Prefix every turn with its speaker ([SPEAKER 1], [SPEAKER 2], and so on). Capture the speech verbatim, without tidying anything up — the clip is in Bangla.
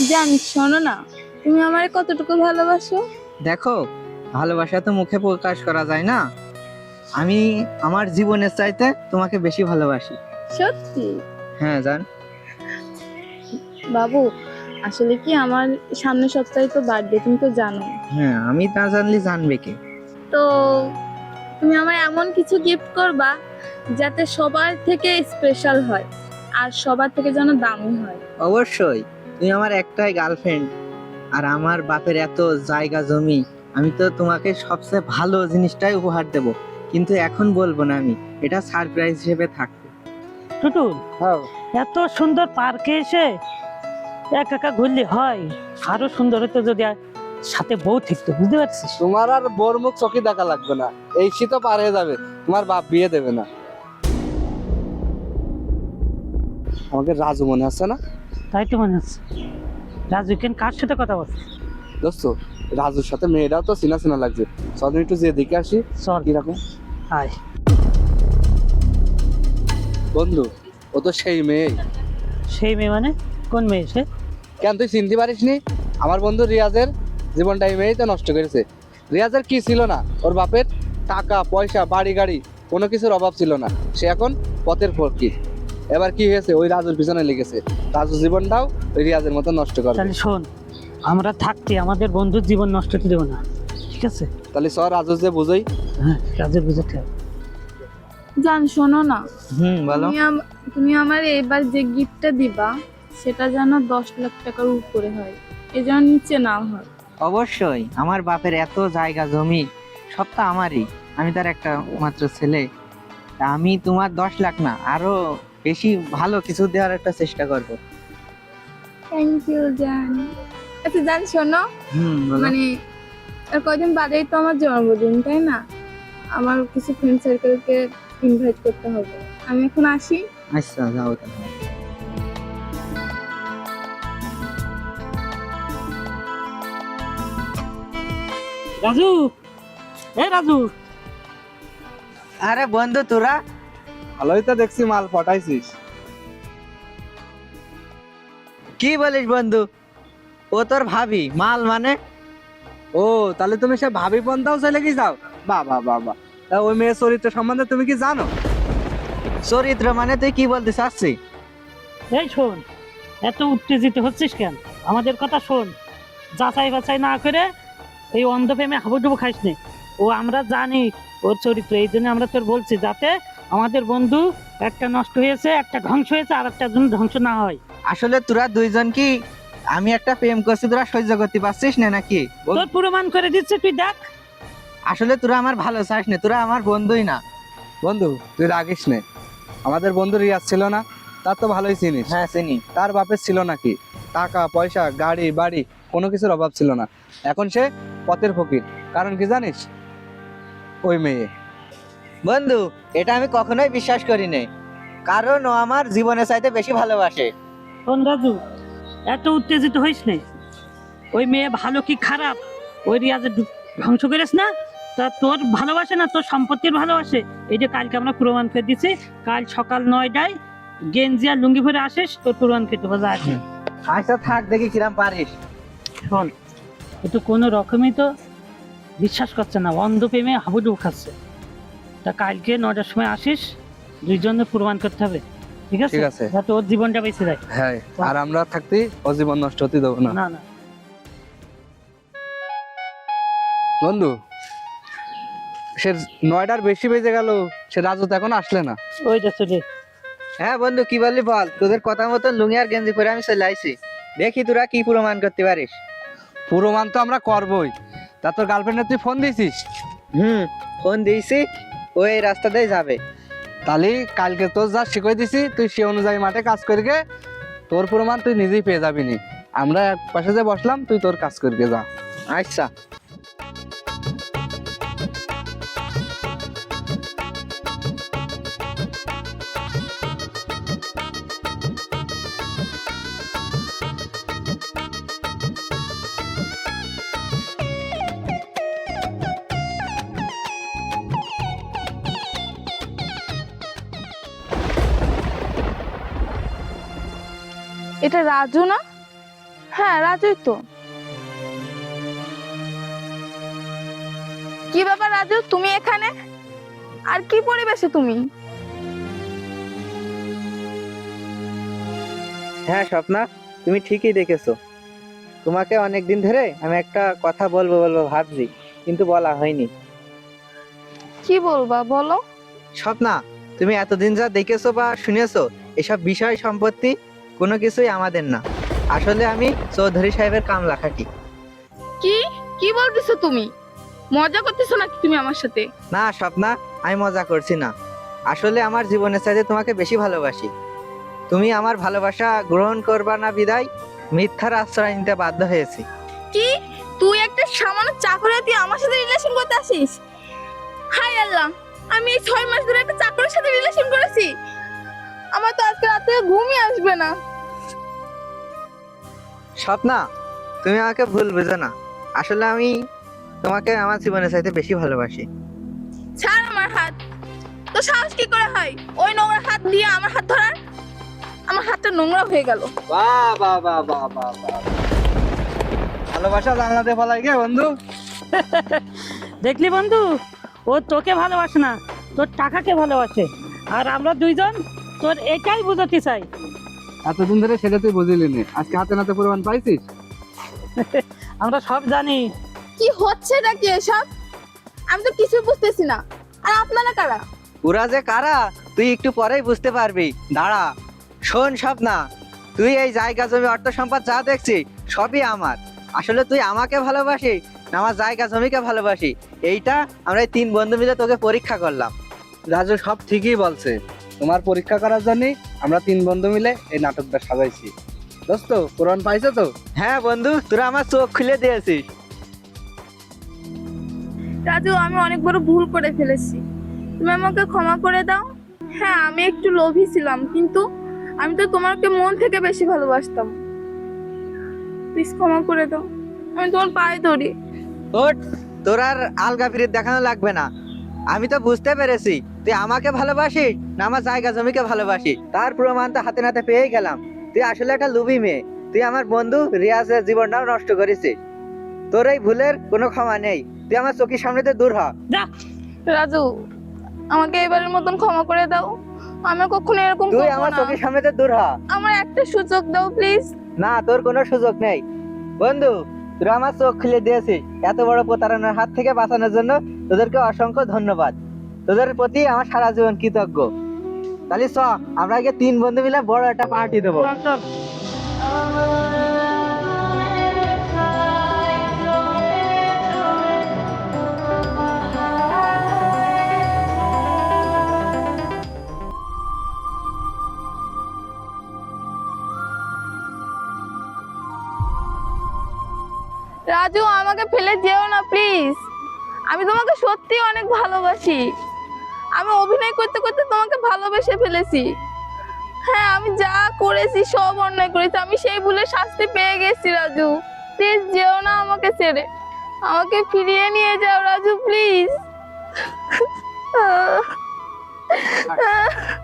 [SPEAKER 1] জানি, শোনো না, তুমি আমারে কতটুকু ভালোবাসো।
[SPEAKER 2] দেখো, ভালোবাসা তো মুখে প্রকাশ করা যায় না। আমি আমার জীবনের চাইতে তোমাকে বেশি ভালোবাসি।
[SPEAKER 1] সত্যি?
[SPEAKER 2] হ্যাঁ জান।
[SPEAKER 1] বাবু, আসলে কি আমার সামনের সপ্তাহে তো বার্থডে, তুমি তো জানো।
[SPEAKER 2] হ্যাঁ, আমি না জানলে জানবে কে?
[SPEAKER 1] তো তুমি আমায় এমন কিছু গিফট করবা যাতে সবার থেকে স্পেশাল হয় আর সবার থেকে যেন দামি হয়।
[SPEAKER 2] অবশ্যই। তুমি আমার একটাই গার্লফ্রেন্ড, আর আমার বাপের এত জায়গা জমি, আমি তো তোমাকে সবচেয়ে ভালো জিনিসটাই উপহার দেব, কিন্তু এখন বলবো না, আমি এটা সারপ্রাইজ হিসেবে থাকবে।
[SPEAKER 3] টুটু,
[SPEAKER 2] হ্যাঁ।
[SPEAKER 3] এত সুন্দর পার্কে এসে একা একা ঘুরলে হয়? আরো সুন্দর হতো যদি আর সাথে বউ থাকতো, বুঝতে পারছিস?
[SPEAKER 4] তোমার আর বোর মুখ চোখে দেখা লাগবে না, এই শীতও পার হয়ে যাবে, তোমার বাপ বিয়ে দেবে না। আমাকে রাজু মনে আছে না?
[SPEAKER 3] তাই তো মনে হচ্ছে। রাজু কেন কার সাথে কথা বলছে?
[SPEAKER 4] দোস্ত, রাজুর সাথে মেয়েটাও তো চিনা চিনা লাগছে। চল একটু যে দেখে আসি
[SPEAKER 3] চল
[SPEAKER 4] কিরকম।
[SPEAKER 3] আয়।
[SPEAKER 4] বন্ধু, ও তো সেই মেয়ে।
[SPEAKER 3] সেই মেয়ে মানে? কোন মেয়ে সে?
[SPEAKER 4] কেন তুই চিনতে পারিস নি? আমার বন্ধু রিয়াজের জীবনটা এই মেয়েই তো নষ্ট করেছে। রিয়াজের কি ছিল না? ওর বাপের টাকা পয়সা বাড়ি গাড়ি কোনো কিছুর অভাব ছিল না, সে এখন পথের ফকির। এবার কি হয়েছে, ওই রাজুর পিছনে লেগেছে। রাজুর জীবনটাও ওই রিয়াজের মতো নষ্ট করবে।
[SPEAKER 3] তাহলে শোন, আমরা থাকতে আমাদের বন্ধুর জীবন নষ্ট হতে দেবো না, ঠিক আছে?
[SPEAKER 4] তাহলে সর রাজু যে বুঝোই।
[SPEAKER 3] হ্যাঁ, রাজুর বুঝাতে হবে।
[SPEAKER 1] জান, শোনো না,
[SPEAKER 2] হুম, বলো।
[SPEAKER 1] তুমি আম- তুমি আমার এবার যে গিফটটা দিবা সেটা যেন দশ লাখ টাকার উপরে হয়, এ যেন নিচে না হয়।
[SPEAKER 2] অবশ্যই। আমার বাপের এত জায়গা জমি, সব তো আমারই। আমি তার একটা মাত্র ছেলে। তা আমি তোমার দশ লাখ না, আরো বেশি ভালো কিছু দেওয়ার একটা চেষ্টা করব।
[SPEAKER 1] থ্যাংক ইউ জান। আচ্ছা জান, শোনো,
[SPEAKER 2] হুম, বলো।
[SPEAKER 1] মানে আর কয়দিন বাদেই তো আমার জন্মদিন, তাই না? আমার কিছু ফ্রেন্ড সার্কেলকে ইনভাইট করতে হবে। আমি এখন আসি।
[SPEAKER 2] আচ্ছা, যাও তাহলে।
[SPEAKER 3] রাজু, এ রাজু,
[SPEAKER 2] আরে বন্ধু, তোরা
[SPEAKER 4] ভালোই তো দেখছি মাল পটাইছিস।
[SPEAKER 2] কি বলিস বন্ধু? ও তোর ভাবি মাল মানে?
[SPEAKER 4] ও, তাহলে তুমি সে ভাবি পন্থাও চলে কি যাও? বাহ বাহ বাহ বাহ। তা ওই মেয়ের চরিত্র সম্বন্ধে তুমি কি জানো?
[SPEAKER 2] চরিত্র মানে তুই কি বলতে চাচ্ছিস?
[SPEAKER 3] এই শোন, এত উত্তেজিত হচ্ছিস কেন? আমাদের কথা শোন। যাচাই বাছাই না করে এই অন্ধ প্রেমে হাবুডুবু খাইস নে। ও আমরা জানি ওর চরিত্র, এই জন্য আমরা তোর বলছি যাতে আমাদের বন্ধু একটা নষ্ট হয়েছে, একটা ধ্বংস হয়েছে, আর একটা জন্য ধ্বংস না হয়।
[SPEAKER 2] আসলে তোরা দুইজন কি, আমি একটা প্রেম করছি, তোরা সহ্য করতে পারছিস না নাকি? বল।
[SPEAKER 3] তোর প্রমাণ করে দিচ্ছে, তুই দেখ।
[SPEAKER 2] আসলে তোরা আমার ভালো চাস না, তোরা আমার বন্ধুই না।
[SPEAKER 4] বন্ধু, তুই রাগিস নে। আমাদের বন্ধু রিয়াজ ছিল না? তার তো ভালোই চিনিস।
[SPEAKER 2] হ্যাঁ, চিনি।
[SPEAKER 4] তার বাপের ছিল নাকি টাকা পয়সা গাড়ি বাড়ি, কোনো কিছুর অভাব ছিল না। এখন সে পথের ফকির। কারণ কি জানিস? ওই মেয়ে।
[SPEAKER 2] বন্ধু, এটা আমি কখনোই বিশ্বাস করি নাই, কারণ ও আমার জীবনের চাইতে বেশি ভালোবাসে।
[SPEAKER 3] শোন রাজু, এত উত্তেজিত হইস নে। ওই মেয়ে ভালো কি খারাপ ওই রিয়াজে ধ্বংস করিস না। তা তোর ভালোবাসে না, তোর সম্পত্তির ভালোবাসে। এই যে কালকে আমরা প্রমাণ করে দিচ্ছি, কাল সকাল নয়টায় গেঞ্জি আর লুঙ্গি পরে আসিস, তোর প্রমাণ করতে পারবে। আছে
[SPEAKER 2] আচ্ছা থাক, দেখি কিরাম পারিস।
[SPEAKER 3] শোন, ও তো কোনো রকমই তো বিশ্বাস করছে না, অন্ধ প্রেমে হাবুডুবু খাচ্ছে। তা কালকে নটার সময় আসিস, দুইজনের প্রমাণ করতে হবে, ঠিক আছে?
[SPEAKER 4] ঠিক আছে।
[SPEAKER 3] যাতে ওর জীবনটা বেঁচে যায়।
[SPEAKER 4] হ্যাঁ, আর আমরা থাকতে ও জীবন নষ্ট হতে দেবো না।
[SPEAKER 3] না না,
[SPEAKER 4] বন্ধু, সে নয়টার বেশি বেজে গেল, সে রাজু তো এখন আসলে না।
[SPEAKER 3] ওই দেখছো রে।
[SPEAKER 2] হ্যাঁ বন্ধু, কি বললি বল। তোদের কথা মতো লুঙ্গি আর গেঞ্জি পরে আমি চলে আইছি, দেখি তোরা কি প্রমাণ করতে পারিস।
[SPEAKER 4] প্রমাণ তো আমরা করবোই। তা তোর গার্লফ্রেন্ডের তুই ফোন দিয়েছিস?
[SPEAKER 2] হুম, ফোন দিয়েছি, ওই এই রাস্তা দিয়ে যাবে।
[SPEAKER 4] তাহলে কালকে তোর যা শিখিয়ে দিছি, তুই সে অনুযায়ী মাঠে কাজ করবে। তোর প্রমাণ তুই নিজেই পেয়ে যাবি নি। আমরা এক পাশে যে বসলাম, তুই তোর কাজ করবে যা।
[SPEAKER 2] আচ্ছা।
[SPEAKER 1] এটা রাজু না? হ্যাঁ রাজুই তো। কি ব্যাপার রাজু, তুমি এখানে? আর কি পরিবেশে তুমি?
[SPEAKER 2] হ্যাঁ স্বপ্না, তুমি ঠিকই দেখেছো। তোমাকে অনেক দিন ধরে আমি একটা কথা বলবো বলবো ভাবছি, কিন্তু বলা হয়নি।
[SPEAKER 1] কি বলবা বলো।
[SPEAKER 2] স্বপ্না, তুমি এতদিন যা দেখেছো বা শুনেছো, এসব বিষয় সম্পত্তি কোনো কিছুই আমাদের না। আসলে আমি চৌধুরী সাহেবের কামলা খাটি।
[SPEAKER 1] কি কি বলতেছো তুমি? মজা করতেছো নাকি তুমি আমার সাথে?
[SPEAKER 2] না স্বপ্না, আমি মজা করছি না। আসলে আমার জীবনের চাইতে তোমাকে বেশি ভালোবাসি। তুমি আমার ভালোবাসা গ্রহণ করবা না বিদায় মিথ্যার আশ্রয় নিতে বাধ্য হয়েছি।
[SPEAKER 1] কি তুই একটা সামান্য চাকরি তুই আমার সাথে রিলেশন করতে আসিস? হাই আল্লাহ, আমি এই ছয় মাস ধরে একটা চাকরের সাথে রিলেশন করেছি। আমার তো আজকে রাতে ঘুমই আসবে না।
[SPEAKER 2] স্বপ্না, তুমি আমাকে ভুল বুঝো না। আসলে আমি তোমাকে আমার জীবনের চাইতে বেশি ভালোবাসি।
[SPEAKER 1] ছাড় আমার হাত। তো সাহস কি করে হয় ওই নোংরা হাত দিয়ে আমার হাত ধরার? আমার হাতটা নোংরা হয়ে গেল।
[SPEAKER 4] বাহ বাহ বাহ বাহ বাহ বাহ। ভালোবাসা জানলাতে ফলাই গে বন্ধু।
[SPEAKER 3] দেখলি বন্ধু, ও তোকে ভালোবাসে না, তোর টাকাকে ভালোবাসে। আর আমরা দুইজন তোর এটাই বুঝাতে চাই।
[SPEAKER 4] এতদিন ধরে সেটা তুই বুঝিলি নি, আজকে হাতে নাতে প্রমাণ পাইছিস।
[SPEAKER 3] আমরা সব জানি।
[SPEAKER 1] কি হচ্ছে নাকি এসব? আমি তো কিছু বুঝতেছি না। আর আপনারা কারা?
[SPEAKER 2] ওরা যে কারা তুই একটু পরেই বুঝতে পারবি, দাঁড়া। শোন স্বপ্না, তুই এই জায়গা জমি অর্থ সম্পদ যা দেখছিস সবই আমার। আসলে তুই আমাকে ভালোবাসিস না আমার জায়গা জমিকে ভালোবাসি, এইটা আমরা এই তিন বন্ধু মিলে তোকে পরীক্ষা করলাম।
[SPEAKER 4] রাজু সব ঠিকই বলছে। তোমার পরীক্ষা করার জন্য আমরা তিন বন্ধু মিলে এই নাটকটা সাজাইছি। দোস্ত, প্রমাণ পাইছো তো?
[SPEAKER 2] হ্যাঁ বন্ধু, তোরা আমার চোখ খুলে দিয়েছিস।
[SPEAKER 1] রাজু, আমি অনেক বড় ভুল করে ফেলেছি, তুমি আমাকে ক্ষমা করে দাও। হ্যাঁ, আমি একটু লোভী ছিলাম, কিন্তু আমি তো তোমাকে মন থেকে বেশি ভালোবাসতাম। প্লিজ ক্ষমা করে দাও, আমি তোমার পায়ে ধরি।
[SPEAKER 2] ওঠ, তোর আর আলগা ফিরিত দেখানো লাগবে না। আমি তো বুঝতে পেরেছি তুই আমাকে ভালোবাসিস না আমার জায়গা জমিকে ভালোবাসিস। তার প্রমাণ তো হাতে নাতে পেয়ে গেলাম। তুই আসলে একটা লুবি মেয়ে। তুই আমার বন্ধু রিয়াজের জীবনটাও নষ্ট করেছিস। তোর এই ভুলের কোনো ক্ষমা নেই। তুই আমার চোখের সামনে থেকে দূর হ।
[SPEAKER 3] যা।
[SPEAKER 1] রাজু, আমাকে এবারের মতন ক্ষমা করে দাও। আমি কখনো এরকম
[SPEAKER 2] তুই
[SPEAKER 1] করবো
[SPEAKER 2] আমার
[SPEAKER 1] না।
[SPEAKER 2] চোখের সামনে থেকে দূর হ।
[SPEAKER 1] আমার একটা সুযোগ দাও প্লিজ।
[SPEAKER 2] না, তোর কোনো সুযোগ নেই। বন্ধু, তোরা আমার চোখ খুলে দিয়েছিস। এত বড় প্রতারণার হাত থেকে বাঁচানোর জন্য তোদেরকে অসংখ্য ধন্যবাদ। তোদের প্রতি আমার সারা জীবন কৃতজ্ঞ। তাহলে চ, আমরা আগে তিন বন্ধু মিলে বড় একটা পার্টি দেবো।
[SPEAKER 3] চল, চল।
[SPEAKER 1] রাজু, আমাকে ফেলে যেও না প্লিজ। আমি তোমাকে সত্যি অনেক ভালোবাসি। আমি অভিনয় করতে করতে তোমাকে ভালোবেসে ফেলেছি। হ্যাঁ, আমি যা করেছি সব অন্যায় করেছি। আমি সেই ভুলে শাস্তি পেয়ে গেছি। রাজু, প্লিজ যেও না আমাকে ছেড়ে। আমাকে ফিরিয়ে নিয়ে যাও রাজু, প্লিজ।